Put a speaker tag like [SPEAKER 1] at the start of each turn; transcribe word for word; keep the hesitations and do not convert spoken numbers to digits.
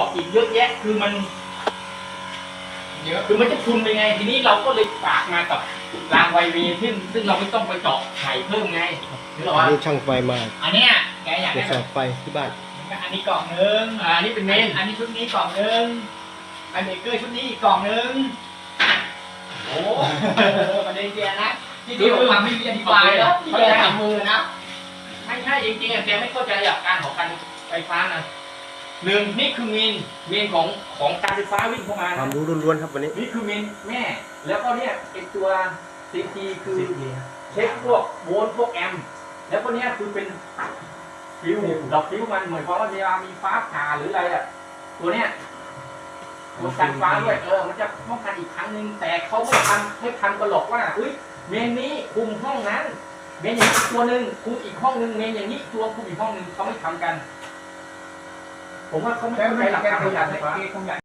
[SPEAKER 1] อีกเยอะแยะคือมันเยอะคือมันจะทุนไปไงทีนี้เราก็เลยฝากมากับรางไวเวซึ่งซึ่งเราไม่ต้องไปเจาะไข่เพิ่มไงหรือ
[SPEAKER 2] อั
[SPEAKER 1] ว่าน
[SPEAKER 2] นี้ช่างไฟมา
[SPEAKER 1] อันเนี้ยแกอยาก
[SPEAKER 2] ตรว
[SPEAKER 1] ได้
[SPEAKER 2] จ
[SPEAKER 1] แบ
[SPEAKER 2] สอบบ ไฟที่บ้าน
[SPEAKER 1] อันนี้กล่องหนึ่งอ่าอันนี้เป็นเมนอันนี้ชุดนี้กล่องหนึ่งไอเบเกอร์ชุดนี้อีกกล่องหนึ่งโอ้ประเด็นเจียนะที่ที่ผมทำไม่มีอธิบายแล้วที่แกทำมือนะไม่ใช่จริงๆแกไม่เข้าใจหลักการของการไฟฟ้านะหนึ่งนี่คือเมนเมนของของการไฟฟ้าวิ่งเข้ามา
[SPEAKER 2] ควา
[SPEAKER 1] นะ
[SPEAKER 2] มรู้ล้วนๆครับวันนี้
[SPEAKER 1] นี่คือเมนแม่แล้วก็เนี่ยไอตัวซีทีคือเช็คพวกโวลต์พวกแอมป์แล้วก็เนี่ยคือเป็นฟิวดอกฟิวมันเหมือนความว่าเวลามีฟ้าผ่าหรืออะไรอะตัวเนี้ยตัวกันฟ้าด้วยเออมันจะป้องกันอีกครั้งหนึ่งแต่เขาไม่ทำไม่ทำกันหรอกว่าอุ้ยเมนนี้คุมห้องนั้นเมนอย่างนี้ตัวหนึ่งคุมอีกห้องหนึ่งเมนอย่างนี้ตัวคุมอีกห้องหนึ่งเขาไม่ทำกันผมว่าเขาไม่เข้าใจหลักการประหยัดไฟฟ้า